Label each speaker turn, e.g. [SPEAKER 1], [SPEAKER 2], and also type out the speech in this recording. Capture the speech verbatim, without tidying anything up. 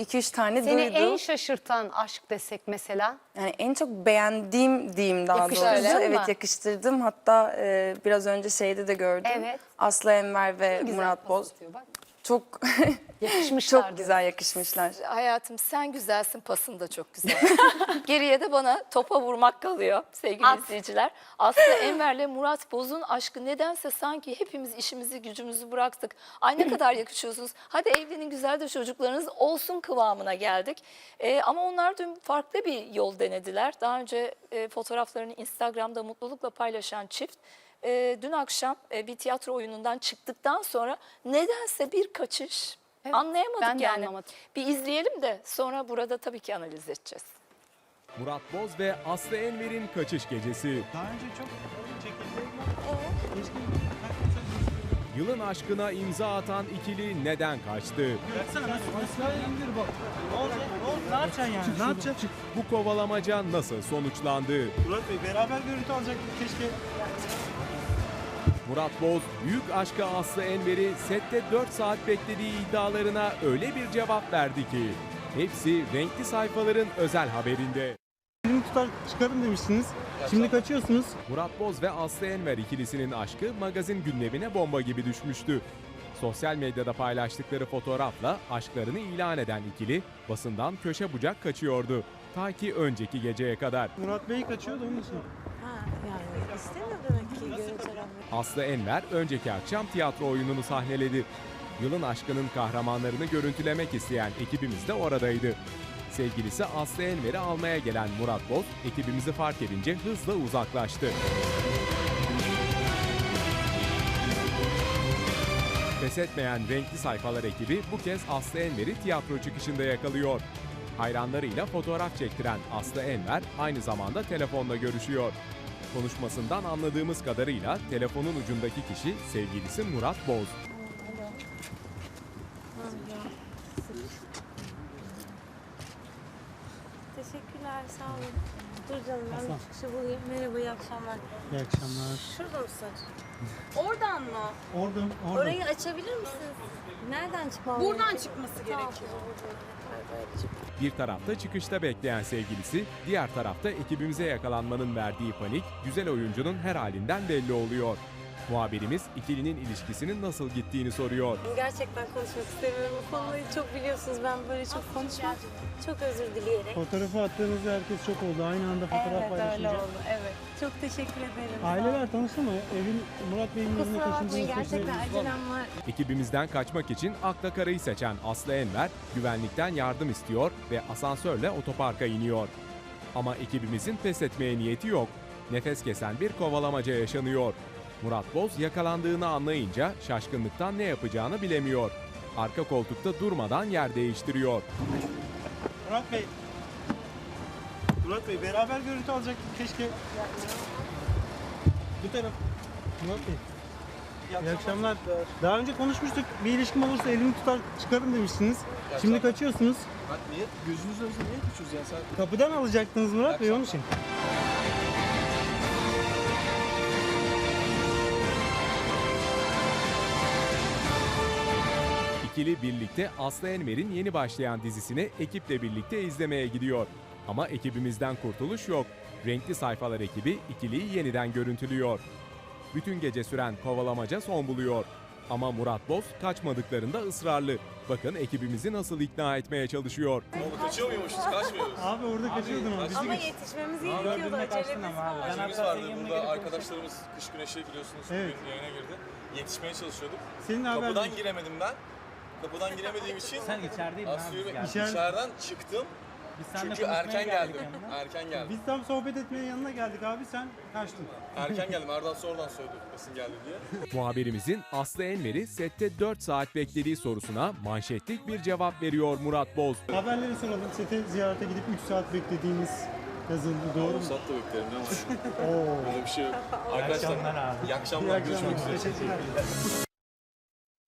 [SPEAKER 1] iki üç tane
[SPEAKER 2] Seni
[SPEAKER 1] duydum.
[SPEAKER 2] en şaşırtan aşk desek mesela?
[SPEAKER 1] Yani en çok beğendiğim diyeyim daha doğrusu.
[SPEAKER 2] Yakıştırdın mı?
[SPEAKER 1] Evet, yakıştırdım. Hatta e, biraz önce şeyde de gördüm.
[SPEAKER 2] Evet.
[SPEAKER 1] Aslı Enver ve
[SPEAKER 2] Güzel
[SPEAKER 1] Murat
[SPEAKER 2] pas
[SPEAKER 1] Boz.
[SPEAKER 2] atıyor bak.
[SPEAKER 1] Çok
[SPEAKER 2] Yakışmışlar.
[SPEAKER 1] çok güzel yakışmışlar.
[SPEAKER 3] Hayatım sen güzelsin, pasın da çok güzel. Geriye de bana topa vurmak kalıyor sevgili
[SPEAKER 2] At.
[SPEAKER 3] izleyiciler. Aslı Enver'le Murat Boz'un aşkı nedense sanki hepimiz işimizi gücümüzü bıraktık. Ay ne kadar yakışıyorsunuz. Hadi evlenin, güzel de çocuklarınız olsun kıvamına geldik. Ee, ama onlar dün farklı bir yol denediler. Daha önce e, fotoğraflarını Instagram'da mutlulukla paylaşan çift. E, dün akşam e, bir tiyatro oyunundan çıktıktan sonra nedense bir kaçış.
[SPEAKER 2] Evet,
[SPEAKER 3] Anlayamadık
[SPEAKER 2] ben de
[SPEAKER 3] yani.
[SPEAKER 2] anlamadım.
[SPEAKER 3] Bir izleyelim de sonra burada tabii ki analiz edeceğiz.
[SPEAKER 4] Murat Boz ve Aslı Enver'in kaçış gecesi.
[SPEAKER 5] Daha önce çok çekildi.
[SPEAKER 4] Yılın aşkına imza atan ikili neden kaçtı?
[SPEAKER 5] Baksana aşağıya indir bak. Ne olacak? Ne oldu? Ne yapacaksın yani? Ne yapacaksın?
[SPEAKER 4] Bu kovalamaca nasıl sonuçlandı?
[SPEAKER 5] Murat Bey beraber görüntü alacaktık keşke.
[SPEAKER 4] Murat Boz, büyük aşkı Aslı Enver'i sette dört saat beklediği iddialarına öyle bir cevap verdi ki hepsi renkli sayfaların özel haberinde.
[SPEAKER 5] Elimi tutar çıkarım demiştiniz. Şimdi kaçıyorsunuz.
[SPEAKER 4] Murat Boz ve Aslı Enver ikilisinin aşkı magazin gündemine bomba gibi düşmüştü. Sosyal medyada paylaştıkları fotoğrafla aşklarını ilan eden ikili basından köşe bucak kaçıyordu. Ta ki önceki geceye kadar.
[SPEAKER 5] Murat Bey kaçıyordu onun için.
[SPEAKER 6] Ha, yani istemiyor demek ki görüntülenmek.
[SPEAKER 4] Aslı Enver önceki akşam tiyatro oyununu sahneledi. Yılın aşkının kahramanlarını görüntülemek isteyen ekibimiz de oradaydı. Sevgilisi Aslı Enver'i almaya gelen Murat Boz, ekibimizi fark edince hızla uzaklaştı. Pes etmeyen renkli sayfalar ekibi bu kez Aslı Enver'i tiyatro çıkışında yakalıyor. Hayranlarıyla fotoğraf çektiren Aslı Enver aynı zamanda telefonla görüşüyor. Konuşmasından anladığımız kadarıyla telefonun ucundaki kişi sevgilisi Murat Boz.
[SPEAKER 6] Teşekkürler, sağ olun. Dur canım, ben bir çıkışı bulayım. Merhaba, iyi akşamlar.
[SPEAKER 5] İyi akşamlar.
[SPEAKER 6] Şurada mısın? Oradan mı?
[SPEAKER 5] Oradan, oradan.
[SPEAKER 6] Orayı açabilir misiniz? Nereden çıkmam
[SPEAKER 7] Buradan çıkması gerekiyor.
[SPEAKER 4] Bir tarafta çıkışta bekleyen sevgilisi, diğer tarafta ekibimize yakalanmanın verdiği panik, güzel oyuncunun her halinden belli oluyor. Muhabirimiz ikilinin ilişkisinin nasıl gittiğini soruyor.
[SPEAKER 6] Gerçekten konuşmak istemiyorum. Bu konuyu çok biliyorsunuz. Ben böyle çok konuşmam. Çok özür dileyerek.
[SPEAKER 5] Fotoğrafı attığınızda herkes çok oldu. Aynı anda fotoğraf
[SPEAKER 6] Evet, öyle
[SPEAKER 5] paylaşınca.
[SPEAKER 6] oldu. Evet. Çok teşekkür ederim. sağ olun.
[SPEAKER 5] Aileler tanıştı mı? Evin Murat Bey'in yüzüne
[SPEAKER 6] Kusura bakmayın,
[SPEAKER 5] taşındığınız
[SPEAKER 6] gerçekten acelem var.
[SPEAKER 4] Ekibimizden kaçmak için akla karayı seçen Aslı Enver, güvenlikten yardım istiyor ve asansörle otoparka iniyor. Ama ekibimizin pes etmeye niyeti yok. Nefes kesen bir kovalamaca yaşanıyor. Murat Boz yakalandığını anlayınca şaşkınlıktan ne yapacağını bilemiyor. Arka koltukta durmadan yer değiştiriyor.
[SPEAKER 5] Murat Bey. Murat Bey beraber görüntü alacaktık keşke. Bu taraf. Murat Bey. İyi akşamlar. Daha önce konuşmuştuk. Bir ilişkim olursa elimi tutar çıkarım demiştiniz. Şimdi kaçıyorsunuz.
[SPEAKER 8] Bak niye? Gözünüz önünde niye küçüğüz ya? Sen...
[SPEAKER 5] Kapıdan alacaktınız Murat Bey onun için.
[SPEAKER 4] İkili birlikte Aslı Enver'in yeni başlayan dizisini ekiple birlikte izlemeye gidiyor. Ama ekibimizden kurtuluş yok. Renkli sayfalar ekibi ikiliyi yeniden görüntülüyor. Bütün gece süren kovalamaca son buluyor. Ama Murat Boz kaçmadıklarında ısrarlı. Bakın ekibimizi nasıl ikna etmeye çalışıyor.
[SPEAKER 8] Oğlum kaçıyor muymuşuz? Kaçmıyoruz.
[SPEAKER 5] Abi orada kaçıyordun ama.
[SPEAKER 6] Ama yetişmemiz gerekiyordu. Acelemiz var.
[SPEAKER 8] İşimiz vardı. Burada arkadaşlarımız kış güneşi biliyorsunuz
[SPEAKER 5] Evet.
[SPEAKER 8] bugün yayına girdi. Yetişmeye çalışıyorduk.
[SPEAKER 5] Senin haber
[SPEAKER 8] Kapıdan giremedim ben. Kapıdan giremediğim için
[SPEAKER 9] Sen içerideydin
[SPEAKER 8] Aslı'yı
[SPEAKER 9] abi.
[SPEAKER 8] bek-
[SPEAKER 5] İçeride-
[SPEAKER 8] içeriden çıktım.
[SPEAKER 9] Biz seninle
[SPEAKER 8] Çünkü
[SPEAKER 9] konuşmaya
[SPEAKER 8] erken
[SPEAKER 9] geldik
[SPEAKER 8] geldim.
[SPEAKER 9] yanına.
[SPEAKER 8] Erken geldim.
[SPEAKER 5] Biz tam sohbet etmeye yanına geldik abi sen kaçtın.
[SPEAKER 8] Erken geldim. Erdal sonradan söyledi kesin geldi diye.
[SPEAKER 4] Muhabirimizin Aslı Enver'i sette dört saat beklediği sorusuna manşetlik bir cevap veriyor Murat Boz.
[SPEAKER 5] Haberleri soralım. Sete ziyarete gidip üç saat beklediğiniz yazıldı doğru mu?
[SPEAKER 8] Sat da beklerim ne var?
[SPEAKER 5] Oo.
[SPEAKER 8] Öyle bir şey yok. Arkadaşlar
[SPEAKER 9] akşamlar abi.
[SPEAKER 8] iyi akşamlar.
[SPEAKER 5] İyi
[SPEAKER 8] Görüşmek
[SPEAKER 5] akşamlar.
[SPEAKER 8] üzere.
[SPEAKER 5] Teşekkürler.